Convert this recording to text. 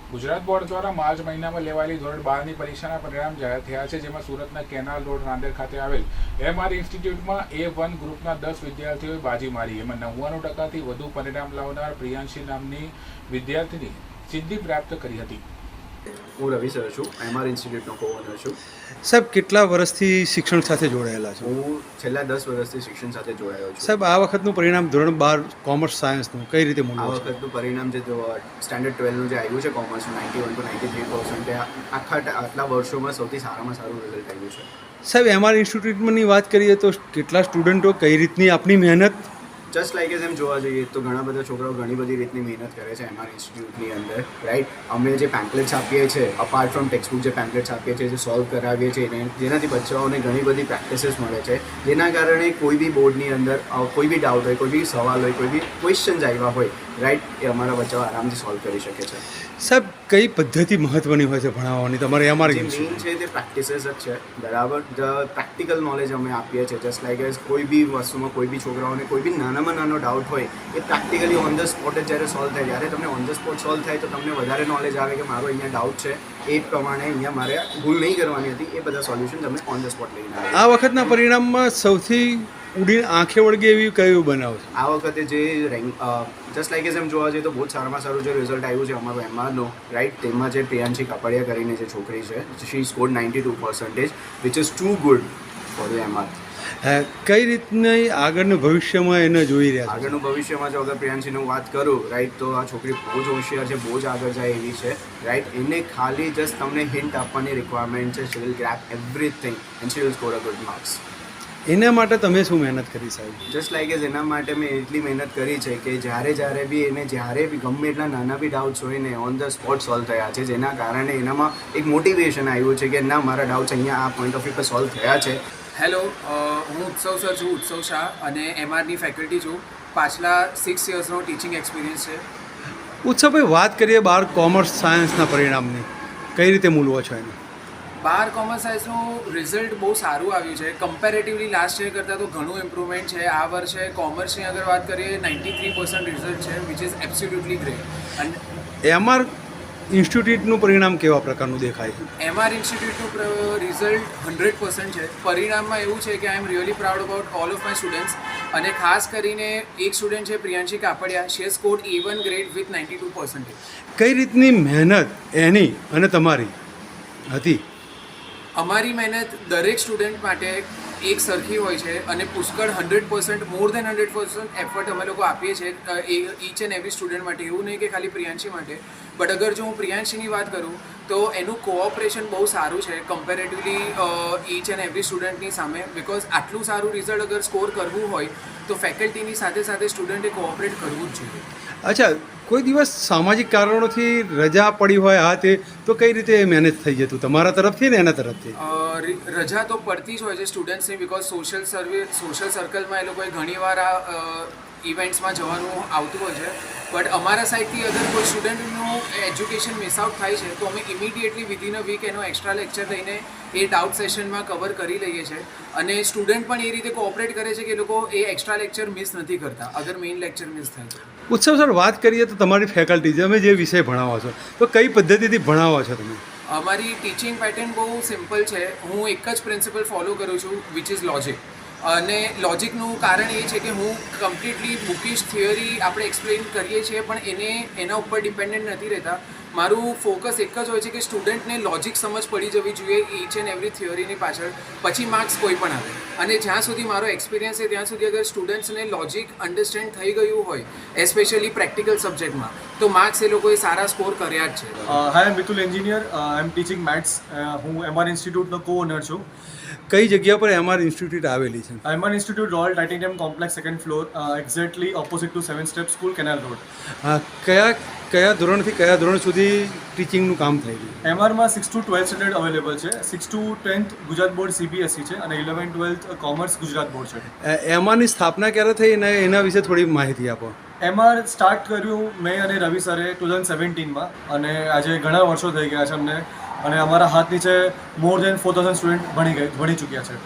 Gujarat board દ્વારા March મહિનામાં લેવાયેલી ધોરણ 12ની પરીક્ષાના પરિણામ જાહેર થયા છે, જેમાં સુરતના કેનાલ રોડ રાંદેર ખાતે આવેલ એમઆર ઇન્સ્ટિટ્યૂટમાં A1 ગ્રુપના 10 વિદ્યાર્થીઓએ બાજી મારી. એમાં 99%થી વધુ પરિણામ લાવનાર પ્રિયાંશી નામની વિદ્યાર્થીની સિદ્ધિ પ્રાપ્ત કરી હતી. હું રવિ સર છું, એમઆર ઇન્સ્ટિટ્યૂટનો કો-ઓનર છું. સાહેબ, કેટલા વર્ષથી શિક્ષણ સાથે જોડાયેલા છો? હું છેલ્લા 10 વર્ષથી શિક્ષણ સાથે જોડાયો છું. સાહેબ, આ વખતનું પરિણામ ધોરણ 12 કોમર્સ સાયન્સનું કઈ રીતે આ મૂલ્ય છે? વખતનું પરિણામ જે સ્ટાન્ડર્ડ 12નું જે આવ્યું છે કોમર્સનું 91 to 93%, આટલા વર્ષોમાં સૌથી સારામાં સારું રિઝલ્ટ આવ્યું છે. સાહેબ, એમઆર ઇન્સ્ટિટ્યૂટની વાત કરીએ તો કેટલા સ્ટુડન્ટો કઈ રીતની આપની મહેનત? જસ્ટ લાઈક એમ જોવા જઈએ તો ઘણા બધા છોકરાઓ ઘણી બધી રીતની મહેનત કરે છે એમઆર ઇન્સ્ટિટ્યૂટની અંદર, રાઈટ. અમે જે પેમ્પલેટ્સ આપીએ છીએ, અપાર્ટ ફ્રોમ ટેક્સ્ટબુક જે પેમ્પલેટ્સ આપીએ છીએ, જે સોલ્વ કરાવીએ છીએ, જેનાથી બચ્ચાઓને ઘણી બધી પ્રેક્ટિસીસ મળે છે, જેના કારણે કોઈ બી બોર્ડની અંદર કોઈ બી ડાઉટ હોય, કોઈ બી સવાલ હોય, કોઈ બી ક્વેશ્ચન્સ આવ્યા હોય, રાઈટ, એ અમારા બચ્ચાઓ આરામથી સોલ્વ કરી શકે છે. સાહેબ, કઈ પદ્ધતિ મહત્વની હોય છે ભણાવવાની તમારે એમઆર જે મેઇન ઇન્સ્ટિટ્યૂટ? છે તે પ્રેક્ટિસીસ જ છે, બરાબર. પ્રેક્ટિકલ નોલેજ અમે આપીએ છીએ. જસ્ટ લાઈક એઝ કોઈ બી વસ્તુમાં કોઈ બી છોકરાઓને કોઈ બી નાનામાં નાનો ડાઉટ હોય એ પ્રેક્ટિકલી ઓન ધ સ્પોટ જ જ્યારે સોલ્વ થાય, જ્યારે તમને ઓન ધ સ્પોટ સોલ્વ થાય તો તમને વધારે નોલેજ આવે કે મારો અહીંયા ડાઉટ છે, એ પ્રમાણે અહીંયા મારે ભૂલ નહીં કરવાની હતી, એ બધા સોલ્યુશન તમે ઓન ધ સ્પોટ લઈને આવે. આ વખતના પરિણામમાં સૌથી ઉડીને આંખે વળગે એવી કયું બનાવ છે? આ વખતે જે જસ્ટ લાઈક એમ જોવા જઈએ તો બહુ જ સારામાં સારું જે રિઝલ્ટ આવ્યું છે અમારું એમઆરનું, રાઈટ. તેમાં જે પ્રિયાંશી કાપડિયા કરીને જે છોકરી છે, she scored 92%, which is too good for the MR. કઈ રીતની આગળનું ભવિષ્યમાં એને જોઈ રહ્યા છે? આગળનું ભવિષ્યમાં જો અગર પ્રિયાંશીનું વાત કરું, રાઈટ, તો આ છોકરી બહુ જ હોશિયાર છે, બહુ જ આગળ જાય એવી છે, રાઈટ. એને ખાલી જસ્ટ તમને હિન્ટ આપવાની રિક્વાયરમેન્ટ છે. She will grab everything and she will score a good marks. એના માટે તમે શું મહેનત કરી સાહેબ? જસ્ટ લાઈક એઝ એના માટે મેં એટલી મહેનત કરી છે કે જ્યારે બી એને જ્યારે બી ગમે એટલા નાના બી ડાઉટ્સ હોય ને ઓન ધ સ્પોટ સોલ્વ થયા છે, જેના કારણે એનામાં એક મોટિવેશન આવ્યું છે કે ના, મારા ડાઉટ્સ અહીંયા આ પોઈન્ટ ઓફ વ્યૂ પર સોલ્વ થયા છે. હેલો, હું ઉત્સવ સર છું, ઉત્સવ શાહ, અને એમઆરની ફેકલ્ટી છું. પાછલા 6 યર્સનો ટીચિંગ એક્સપિરિયન્સ છે. ઉત્સવભાઈ, વાત કરીએ 12 કોમર્સ સાયન્સના પરિણામની, કઈ રીતે મૂલવો છો એને? 12 કોમર્સ સાયન્સનું રિઝલ્ટ બહુ સારું આવ્યું છે. કમ્પેરેટિવલી લાસ્ટ યર કરતાં તો ઘણું ઇમ્પ્રુવમેન્ટ છે. આ વર્ષે કોમર્સની અગર વાત કરીએ 93% રિઝલ્ટ છે, વિચ ઇઝ એબ્સોલ્યુટલી ગ્રેટ. અને એમઆર ઇન્સ્ટિટ્યૂટનું પરિણામ કેવા પ્રકારનું દેખાય છે? એમઆર ઇન્સ્ટિટ્યૂટનું રિઝલ્ટ 100% છે. પરિણામમાં એવું છે કે I am really proud about all of my students, અને ખાસ કરીને એક સ્ટુડન્ટ છે Priyanshi Kapadia, she has scored A1 grade with 92%. કઈ રીતની મહેનત એની અને તમારી હતી? અમારી મહેનત દરેક સ્ટુડન્ટ માટે એક સરખી હોય છે, અને પુષ્કળ 100%, મોર દેન 100% એફર્ટ અમે લોકો આપીએ છીએ ઈચ એન્ડ એવરી સ્ટુડન્ટ માટે. એવું નહીં કે ખાલી પ્રિયાંશી માટે, બટ અગર જો હું પ્રિયાંશીની વાત કરું તો એનું કોઓપરેશન બહુ સારું છે કમ્પેરેટિવલી ઈચ એન્ડ એવરી સ્ટુડન્ટની સામે. બિકોઝ આટલું સારું રિઝલ્ટ અગર સ્કોર કરવું હોય તો ફેકલ્ટીની સાથે સાથે સ્ટુડન્ટે કોઓપરેટ કરવું જ જોઈએ. અચ્છા, કોઈ દિવસ સામાજિક કારણોથી રજા પડી હોય આ તે, તો કઈ રીતે મેનેજ થઈ જતું તમારા તરફથી ને એના તરફથી? રજા તો પડતી જ હોય છે સ્ટુડન્ટ્સની, બિકોઝ સોશિયલ સર્કલમાં એ લોકોએ ઘણીવાર આ ઇવેન્ટ્સમાં જવાનું આવતું હોય છે. બટ અમારા સાઈડથી અગર કોઈ સ્ટુડન્ટનું એજ્યુકેશન મિસ આઉટ થાય છે તો અમે ઇમિડિયેટલી વિધિન અ વીક એનો એક્સ્ટ્રા લેક્ચર લઈને એ ડાઉટ સેશનમાં કવર કરી લઈએ છીએ, અને સ્ટુડન્ટ પણ એ રીતે કોઓપરેટ કરે છે કે એ લોકો એ એક્સ્ટ્રા લેક્ચર મિસ નથી કરતા અગર મેઇન લેક્ચર મિસ થાય છે. ઉત્સવ સર, વાત કરીએ તો તમારી ફેકલ્ટી તમે જે વિષય ભણાવો છો તો કઈ પદ્ધતિથી ભણાવો છો તમે? અમારી ટીચિંગ પેટર્ન બહુ સિમ્પલ છે. હું એક જ પ્રિન્સિપલ ફોલો કરું છું, વિચ ઇઝ લોજિક. અને લોજિકનું કારણ એ છે કે હું કમ્પ્લીટલી બુકિશ થિયરી આપણે એક્સપ્લેન કરીએ છીએ, પણ એના ઉપર ડિપેન્ડન્ટ નથી રહેતા. મારું ફોકસ એક જ હોય છે કે સ્ટુડન્ટને લોજિક સમજ પડી જવી જોઈએ ઈચ એન્ડ એવરી થિયરીની પાછળ, પછી માર્ક્સ કોઈ પણ આવે. અને જ્યાં સુધી મારો એક્સપિરિયન્સ છે ત્યાં સુધી અગર સ્ટુડન્ટ્સને લોજિક અન્ડરસ્ટેન્ડ થઈ ગયું હોય, એસ્પેશિયલી પ્રેક્ટિકલ સબ્જેક્ટમાં, તો માર્ક્સ એ લોકોએ સારા સ્કોર કર્યા જ છે. Hi, Mitul engineer, I am teaching maths. હું એમઆર ઇન્સ્ટિટ્યૂટનો કો-ઓનર છું. કઈ જગ્યા પર એમઆર ઇન્સ્ટિટ્યૂટ આવેલી છે? MR institute royal titanium complex, 2nd floor, exactly opposite to 7 step school, canal road. કયા ધોરણથી કયા ધોરણ સુધી ટીચિંગનું કામ થઈ ગયું? એમઆરમાં 6 to 12 સ્ટેન્ડર્ડ અવેલેબલ છે. 6 to 10th Gujarat board CBSE છે, અને 11th-12th કોમર્સ ગુજરાત બોર્ડ છે. એમઆરની સ્થાપના ક્યારે થઈ અને એના વિશે થોડી માહિતી આપો. એમઆર સ્ટાર્ટ કર્યું મેં અને રવિ સરે 2017માં, અને આજે ઘણા વર્ષો થઈ ગયા છે અમને, અને અમારા હાથ નીચે મોર દેન 4000 સ્ટુડન્ટ ભણી ચૂક્યા છે.